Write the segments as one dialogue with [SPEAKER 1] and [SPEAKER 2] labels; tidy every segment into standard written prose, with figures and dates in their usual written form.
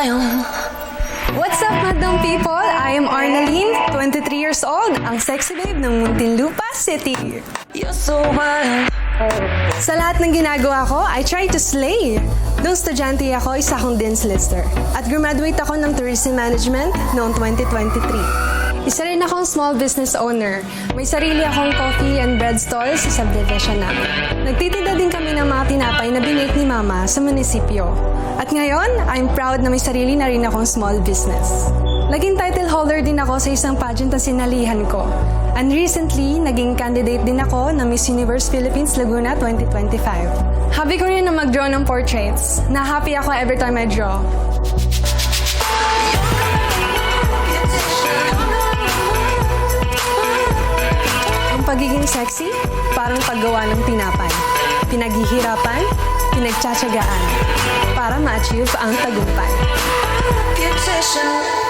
[SPEAKER 1] smile.
[SPEAKER 2] What's up, madam people? I am Arnaline, 23 years old, ang sexy babe ng Muntinlupa City.
[SPEAKER 1] You're so wild.
[SPEAKER 2] Sa lahat ng ginagawa ko, I try to slay. Nung estudyante ako, isa akong Dean's Lister. At graduate ako ng Tourism Management noong 2023. Isa rin akong small business owner. May sarili akong coffee and bread stall sa subdivision namin. Nagtitinda din kami ng mga tinapay na binake ni Mama sa munisipyo. At ngayon, I'm proud na may sarili na rin akong small business. Naging title holder din ako sa isang pageant na sinalihan ko. And recently, naging candidate din ako ng Miss Universe Philippines Laguna 2025. Hobby ko rin na mag-draw ng portraits. Na-happy ako every time I draw. Ang pagiging sexy, parang paggawa ng tinapay. Pinaghihirapan, pinagtsatsagaan, para ma-achieve ang tagumpay.
[SPEAKER 1] Beautician.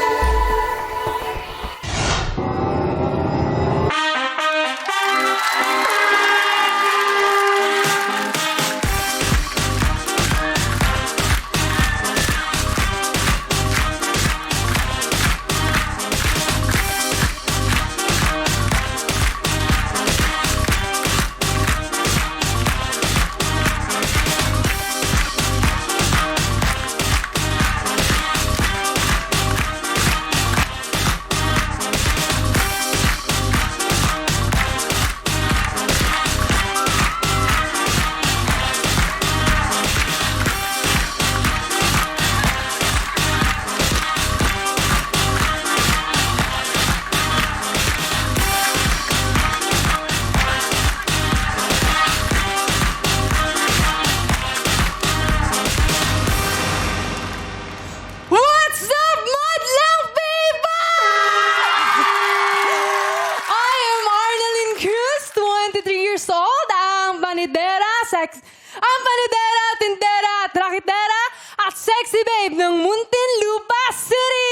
[SPEAKER 2] Ang panidera, tindera, trakitera, at sexy babe ng Muntinlupa City!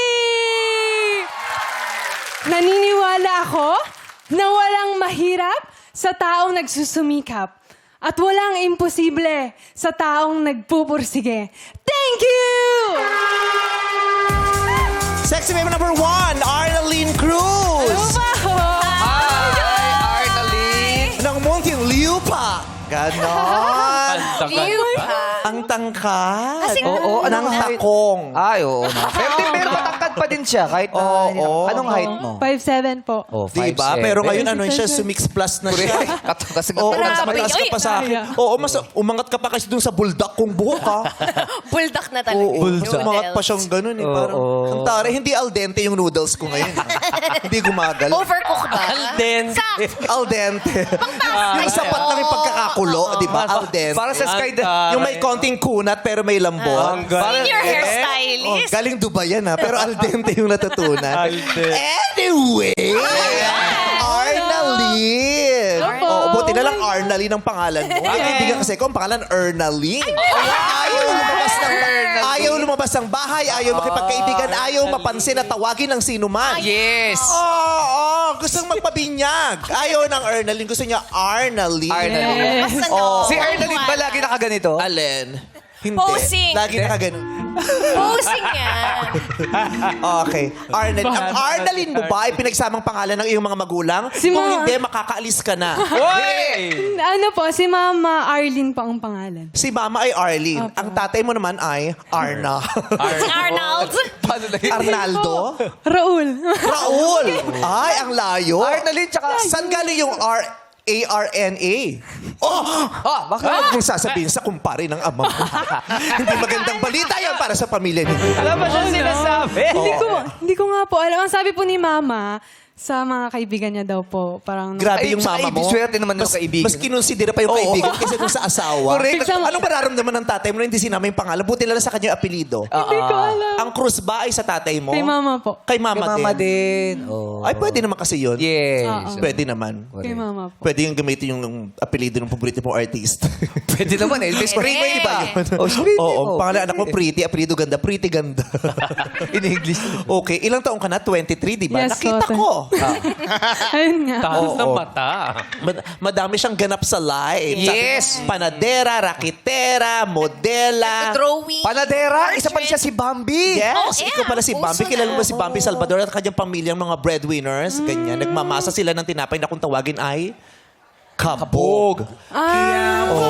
[SPEAKER 2] Naniniwala ako na walang mahirap sa taong nagsusumikap at walang imposible sa taong nagpupursige. Thank you!
[SPEAKER 3] Sexy babe number 1, Arnaline Cruz.
[SPEAKER 4] Hi, Arnaline!
[SPEAKER 3] Ng Muntinlupa. Ganon. Ang tangkad.
[SPEAKER 4] Oo,
[SPEAKER 3] Ng
[SPEAKER 4] anong height?
[SPEAKER 3] takong.
[SPEAKER 4] Ay, oo na. Pero matangkad pa din siya kahit na...
[SPEAKER 3] Oo.
[SPEAKER 4] Anong height mo?
[SPEAKER 2] 5'7" po.
[SPEAKER 4] Oh,
[SPEAKER 3] Diba?
[SPEAKER 4] 5'7".
[SPEAKER 3] Pero ngayon ano siya, sumix plus na siya.
[SPEAKER 4] Kasi
[SPEAKER 3] Oo,
[SPEAKER 4] matangkad
[SPEAKER 3] mas mataas ka pa sa akin. Oo, mas umangat ka pa kasi dun sa buldak kong buhok, ha?
[SPEAKER 5] Buldak na talaga.
[SPEAKER 3] Oo, umangat pa siyang ganun, eh. Parang, ang tare, hindi al dente yung noodles ko ngayon. Hindi gumagal.
[SPEAKER 5] Overcook ba?
[SPEAKER 3] Al dente. Yung sapat lang yung pagkakakulo, di ba? Al dente.
[SPEAKER 4] Para sa sky...
[SPEAKER 3] Yung may konting kunat pero may lambot.
[SPEAKER 5] Senior
[SPEAKER 3] Oh,
[SPEAKER 5] hairstylist.
[SPEAKER 3] galing Dubai yan, ha? Pero al dente yung natutunan. Anyway! Arnaline! Oh, buti na lang Arnaline ang pangalan mo. Ay, kaibigan kasi ko, ang pangalan Arnaline. Ayaw lumabas ng bahay, ayaw makipagkaibigan, ayaw mapansin at tawagin ng sino man.
[SPEAKER 4] Yes!
[SPEAKER 3] Oo, gustong magpabinyag. Ayaw ng Arnaline, gusto niya Arnaline.
[SPEAKER 4] Arnaline.
[SPEAKER 5] Oh.
[SPEAKER 4] Si Arnaline ba lagi nakaganito?
[SPEAKER 3] Alin? Hindi.
[SPEAKER 5] Posing.
[SPEAKER 3] Lagi nakaganon.
[SPEAKER 5] Posing yan.
[SPEAKER 3] Okay. Arnaline. Ang Arnaline mo ba ay pinagsamang pangalan ng iyong mga magulang?
[SPEAKER 2] Si
[SPEAKER 3] Kung
[SPEAKER 2] Ma.
[SPEAKER 3] hindi, makakaalis ka na.
[SPEAKER 4] Hoy!
[SPEAKER 2] Ano po, si Mama Arlene po ang pangalan.
[SPEAKER 3] Si mama ay Arlene. Ang tatay mo naman ay Arna.
[SPEAKER 5] Si Arnold.
[SPEAKER 4] Paano na yun?
[SPEAKER 3] Arnaldo?
[SPEAKER 2] Raul.
[SPEAKER 3] Raul! Ay, ang layo.
[SPEAKER 4] Arnaline, tsaka...
[SPEAKER 3] Saan galing yung ARNA? Oh!
[SPEAKER 4] bakit?
[SPEAKER 3] Huwag mong sasabihin sa kumpare ng ama mo. Hindi magandang balita yan para sa pamilya niyo.
[SPEAKER 4] Alam mo siya sinasabi?
[SPEAKER 2] Hindi ko nga po alam. Ang sabi po ni Mama, sa mga kaibigan niya daw po, parang...
[SPEAKER 3] Grabe
[SPEAKER 4] Ay,
[SPEAKER 3] yung
[SPEAKER 4] sa
[SPEAKER 3] mama mo.
[SPEAKER 4] swerte naman ng kaibigan.
[SPEAKER 3] Mas kinonsidera pa yung kaibigan kaysa dun sa asawa.
[SPEAKER 4] Correct.
[SPEAKER 3] Anong mararamdaman ng tatay mo na hindi sinama yung pangalan? Buti lang sa kanya yung apelido.
[SPEAKER 2] Hindi ko alam.
[SPEAKER 3] Ang Cruz ba ay sa tatay mo?
[SPEAKER 2] Kay Mama po.
[SPEAKER 3] Kay
[SPEAKER 4] Kay
[SPEAKER 3] mama,
[SPEAKER 4] mama
[SPEAKER 3] din.
[SPEAKER 4] din. Oh.
[SPEAKER 3] Ay, pwede naman kasi yun.
[SPEAKER 4] Yes.
[SPEAKER 3] Pwede naman.
[SPEAKER 2] Kay Mama po.
[SPEAKER 3] Pwede yung gamitin yung apelido ng paborito mong artist.
[SPEAKER 4] Pwede naman, Elvis
[SPEAKER 3] Scream mo, di ba?
[SPEAKER 4] Oh, scream
[SPEAKER 3] Oo,
[SPEAKER 4] mo.
[SPEAKER 3] pangalan anak mo, Pretty. Apelido ganda. Pretty ganda.
[SPEAKER 4] In English.
[SPEAKER 3] Okay, ilang taong ka na? 23, di ba?
[SPEAKER 2] Yes,
[SPEAKER 3] Nakita
[SPEAKER 2] so,
[SPEAKER 3] ko.
[SPEAKER 2] Ayun nga.
[SPEAKER 6] Taas ng
[SPEAKER 3] Oo.
[SPEAKER 6] mata.
[SPEAKER 3] Madami siyang ganap sa live.
[SPEAKER 4] Yes.
[SPEAKER 3] Panadera, rakitera, modela.
[SPEAKER 5] Drawing.
[SPEAKER 4] Panadera, isa pa rin siya si Bambi.
[SPEAKER 3] Yes,
[SPEAKER 5] Oh, yeah.
[SPEAKER 3] ikaw pala si Bambi.
[SPEAKER 5] Uso
[SPEAKER 3] Kilala mo
[SPEAKER 5] na.
[SPEAKER 3] si Bambi Salvador at kanyang pamilyang mga breadwinners. Ganyan. Nagmamasa sila ng tinapay na kung tawagin ay kabog.
[SPEAKER 2] Ah,